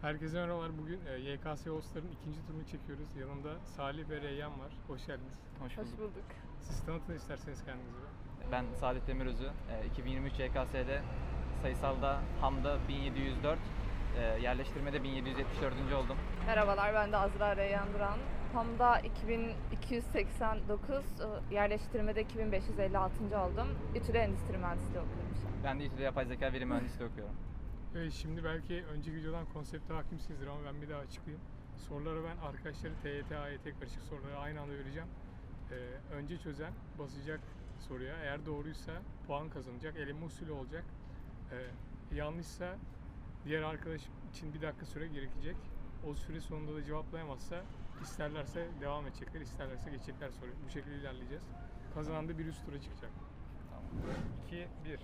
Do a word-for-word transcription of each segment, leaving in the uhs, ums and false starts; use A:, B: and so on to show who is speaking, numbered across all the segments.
A: Herkese merhabalar. Bugün e, Y K S Host'ların ikinci turunu çekiyoruz. Yanımda Salih ve Reyyan var. Hoş geldiniz.
B: Hoş
C: Hoş
B: bulduk.
C: bulduk.
A: Siz tanıtın isterseniz kendinizi.
B: Ben Salih Demirözü. E, iki bin yirmi üç Y K S'de sayısalda Ham'da bin yedi yüz dört, e, yerleştirmede bin yedi yüz yetmiş dördüncü oldum.
C: Merhabalar, ben de Azra Reyyan Duran. Ham'da iki bin iki yüz seksen dokuz, yerleştirmede iki bin beş yüz elli altıncı oldum. İTÜ'de endüstri mühendisliği okuyorum şu an.
B: Ben de İTÜ'de yapay zeka veri mühendisliği okuyorum.
A: Evet, şimdi belki önceki videodan konsepte hakimsinizdir ama ben bir daha açıklayayım. Soruları ben arkadaşları T Y T, A Y T karışık soruları aynı anda vereceğim. Ee, önce çözen basacak soruya. Eğer doğruysa puan kazanacak. Eleme usulü olacak. Ee, yanlışsa diğer arkadaş için bir dakika süre gerekecek. O süre sonunda da cevaplayamazsa isterlerse devam edecekler, isterlerse geçecekler soruyu. Bu şekilde ilerleyeceğiz. Kazanan da bir üst tura çıkacak.
B: Tamam.
A: iki bir.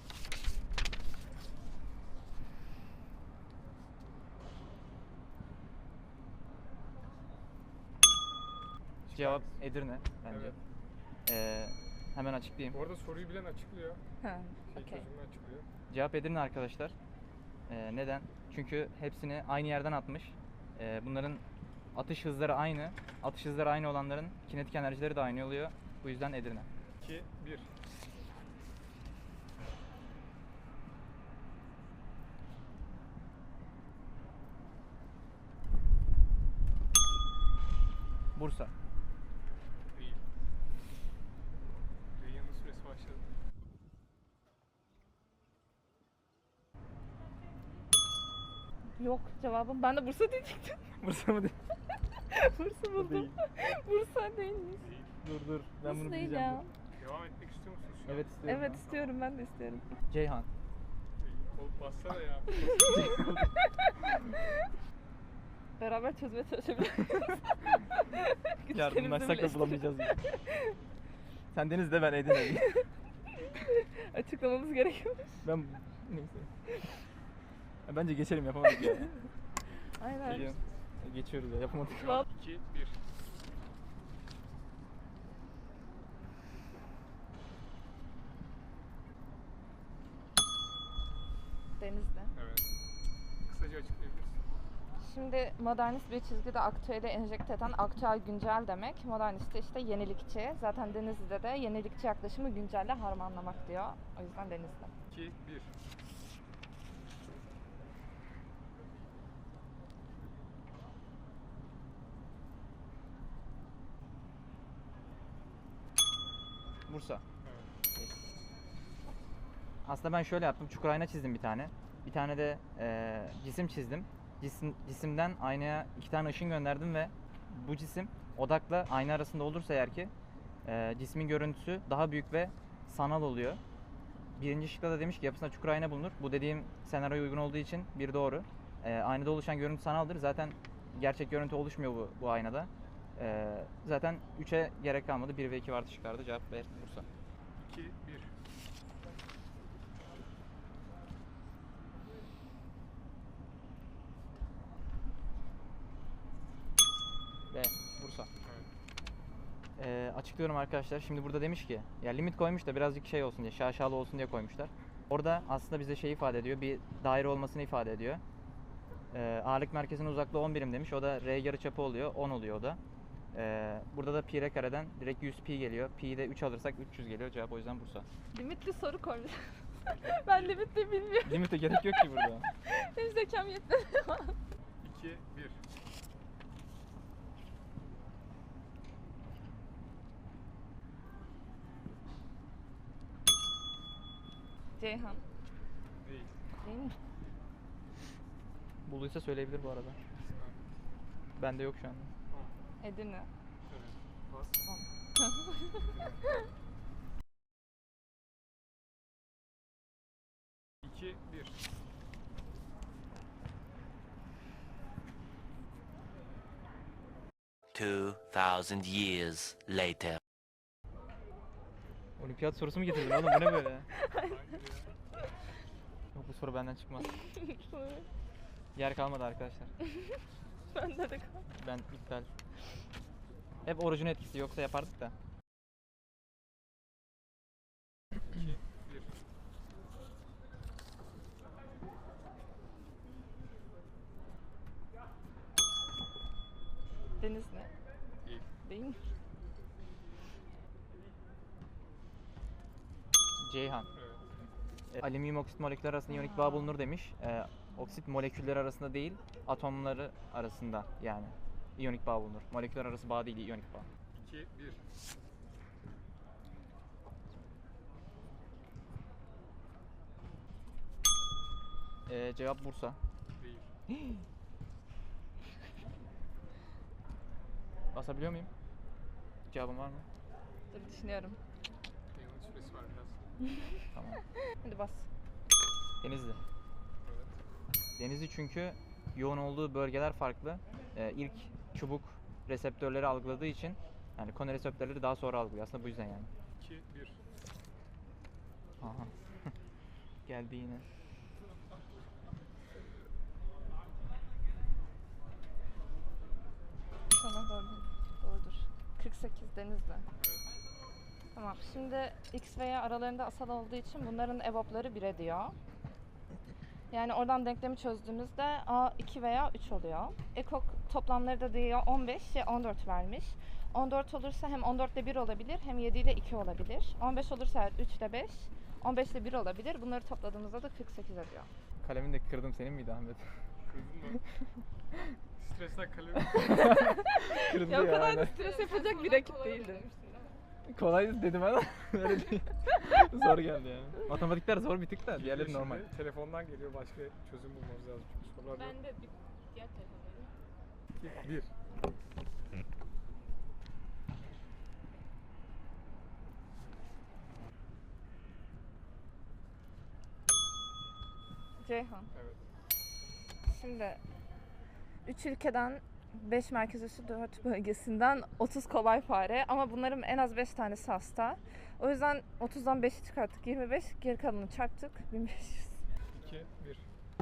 B: Cevap Edirne bence.
A: Evet.
B: E, hemen açıklayayım.
A: Bu arada soruyu bilen açıklıyor.
C: Ha,
A: Şey
C: okey.
A: çözümünü açıklıyor.
B: Cevap Edirne arkadaşlar. E, neden? Çünkü hepsini aynı yerden atmış. E, bunların atış hızları aynı. Atış hızları aynı olanların kinetik enerjileri de aynı oluyor. Bu yüzden Edirne.
A: iki bir.
B: Bursa.
A: Değil. Reyyan'ın süresi başladı.
C: Yok cevabım. Ben de Bursa diyecektim.
B: Bursa mı değil?
C: Bursa buldum.
B: Değil.
C: Bursa değilmiş.
A: Değil.
B: Dur dur. Ben
C: Nasıl
B: bunu
C: değil
B: bileceğim.
C: ya?
A: Devam etmek istiyor musunuz şu an?
B: Evet istiyorum.
C: Evet
B: ben.
C: istiyorum, ben de istiyorum.
B: Ceyhan.
A: Olup bassana ya.
C: Beraber çözmeye çalışabiliriz.
B: Yardımlaşsak da
C: birleştirelim.
B: bulamayacağız gibi. Sen Deniz'de, ben Edirne'yim.
C: Açıklamamız gerekiyor.
B: Ben neyse. Ya bence geçelim, yapamadık ya.
C: Aynen.
B: Geliyorum. Geçiyoruz ya, yapamadık.
C: Vallahi-
A: iki bir.
C: Denizli.
A: Evet. Kısaca açıklayabilirsin.
C: Şimdi modernist bir çizgide aktüeli enjekte eden aktüel güncel demek. Modernist de işte yenilikçi. Zaten Denizli'de de yenilikçi yaklaşımı güncelle harmanlamak diyor. O yüzden Denizli.
A: iki bir.
B: Bursa.
A: Evet.
B: Aslında ben şöyle yaptım. Çukur ayna çizdim bir tane. Bir tane de e, cisim çizdim. Cisim, cisimden aynaya iki tane ışın gönderdim ve bu cisim odakla ayna arasında olursa eğer ki e, cismin görüntüsü daha büyük ve sanal oluyor. Birinci şıkta da demiş ki yapısında çukur ayna bulunur. Bu dediğim senaryoya uygun olduğu için bir doğru. E, aynada oluşan görüntü sanaldır. Zaten gerçek görüntü oluşmuyor bu, bu aynada. E, zaten üçe gerek kalmadı. bir ve iki vardı şıklarda. Cevap B Bursa.
A: iki bir.
B: B Bursa.
A: Evet.
B: Ee, açıklıyorum arkadaşlar. Şimdi burada demiş ki ya limit koymuş da birazcık şey olsun diye, şaşalı olsun diye koymuşlar. Orada aslında bize şey ifade ediyor. Bir daire olmasını ifade ediyor. Ee, ağırlık merkezinin uzaklığı on birim demiş. O da R yarıçapı oluyor. on oluyor o da. Ee, burada da pi r kareden direkt yüz pi geliyor. Pi'yi de üç alırsak üç yüz geliyor. Cevap o yüzden Bursa.
C: Limitli soru koymuş. Ben limitli bilmiyorum.
B: Limite gerek yok ki burada.
C: Benim zekam yetmedi.
A: iki bir.
C: Ceyhan.
A: Değil.
C: Değil mi?
B: Bulduysa söyleyebilir bu arada. Bende yok şu anda.
C: Edirne.
A: Evet. Bas. iki bir.
D: Two thousand years later.
B: Olimpiyat sorusu mu getirdin oğlum? Bu ne böyle?
A: Hayır ya.
B: Yok, bu soru benden çıkmaz. Yer kalmadı arkadaşlar.
C: Bende de kal.
B: Ben iptal. Hep orucun etkisi, yoksa yapardık da.
A: iki bir.
C: Deniz ne?
A: Değil.
C: Değil mi?
B: Ceyhan.
A: Evet.
B: E, alüminyum oksit molekülleri arasında iyonik bağ bulunur demiş. E, oksit molekülleri arasında değil, atomları arasında yani iyonik bağ bulunur. Moleküller arası bağ değil, iyonik bağ.
A: iki bir.
B: E, cevap Bursa.
A: Değil.
B: Basabiliyor muyum? Cevabın var mı?
C: Dur düşünüyorum.
A: Yanılış süresi var biraz.
B: Tamam.
C: Hadi bas.
B: Denizli.
A: Evet.
B: Denizli çünkü yoğun olduğu bölgeler farklı. Ee, ilk çubuk reseptörleri algıladığı için yani konu reseptörleri daha sonra algılıyor. Aslında bu yüzden yani.
A: iki bir.
B: Aha. Geldi yine.
C: Sana doğru. Doğrudur. kırk sekiz Denizli.
A: Evet.
C: Tamam. Şimdi X ve Y aralarında asal olduğu için bunların evapları bire diyor. Yani oradan denklemi çözdüğümüzde A iki veya üç oluyor. Ekok toplamları da diyor on beş, Y on dört vermiş. on dört olursa hem on dört ile bir olabilir hem yedi ile iki olabilir. on beş olursa üç ile beş, on beş ile bir olabilir. Bunları topladığımızda da kırk sekiz ediyor.
B: Kalemini de kırdım, senin miydi Ahmet?
A: Kırdın mı? Stresten kalemi.
B: Kırdı
C: Ya o
B: ya.
C: kadar da
B: aynen.
C: stres yapacak bir rakip değildi.
B: Kolay dedim ama öyle değil. Zor geldi yani. Matematikler zor bir tık da diğerleri
A: Şimdi
B: normal.
A: Telefondan geliyor, başka çözüm bulmamız lazım çünkü sorular yok.
E: Ben de bir diğer telefondayım.
A: iki bir.
C: Ceyhan.
A: Evet.
C: Şimdi üç ülkeden beş merkez üssü dört bölgesinden otuz kolay fare ama bunların en az beş tanesi hasta. O yüzden otuzdan beşi çıkarttık. yirmi beş, geri kalanını çarptık. bin beş yüz.
A: iki bir.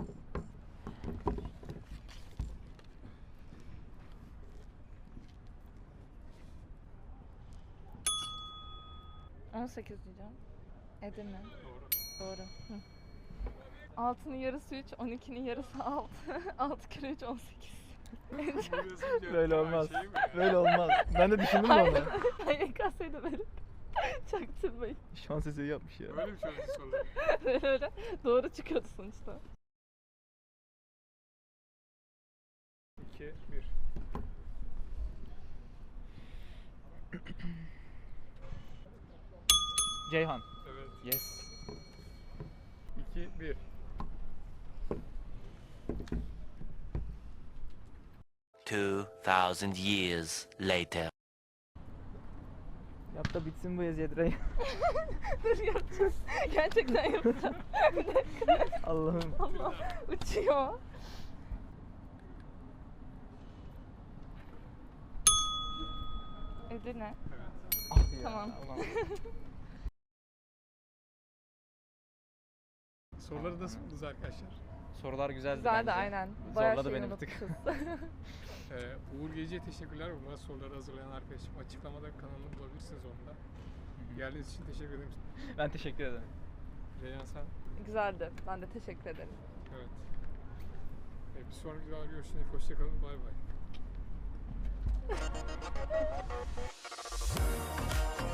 C: on sekiz diyeceğim. Edirne.
A: Doğru.
C: Doğru. Hı. altının yarısı üç, on ikinin yarısı altı. altı kere üç, on sekiz.
B: Böyle olmaz.
A: Şey mi?
B: Böyle olmaz. Ben de düşündüm de onu.
C: Hayır, kasayı da verip çaktırmayın.
B: Şans eseri yapmış ya.
A: Öyle mi çözdü soruları?
C: Böyle öyle doğru çıkıyordu sonuçta.
A: iki bir.
B: Ceyhan.
A: Evet.
B: Yes.
A: iki bir.
D: Two thousand years later.
B: Yap da bitsin bu Eziyet
C: Dur yapacağız. Gerçekten yapacağım. Bir dakika.
B: Allah'ım.
C: Allah uçuyor. Edirne.
A: Evet.
B: Ah ya.
C: Tamam.
B: Ulan.
A: Soruları nasıl buldunuz arkadaşlar?
B: Sorular güzeldi
C: Güzeldi
B: bence.
C: aynen. Bayağı
B: Zorladı
C: şey
B: beni bir tık.
C: unutmuşuz.
A: Ee, Uğur Gece'ye teşekkürler. Bunlar soruları hazırlayan arkadaşım. Açıklamada kanalını bulabilirsiniz onda. Geldiğiniz için teşekkür ederim.
B: Ben teşekkür ederim.
A: Reyhan sen.
C: Güzeldi. Ben de teşekkür ederim.
A: Evet. Ee, bir sonraki videoda görüşürüz. Hoşçakalın. Bay bay.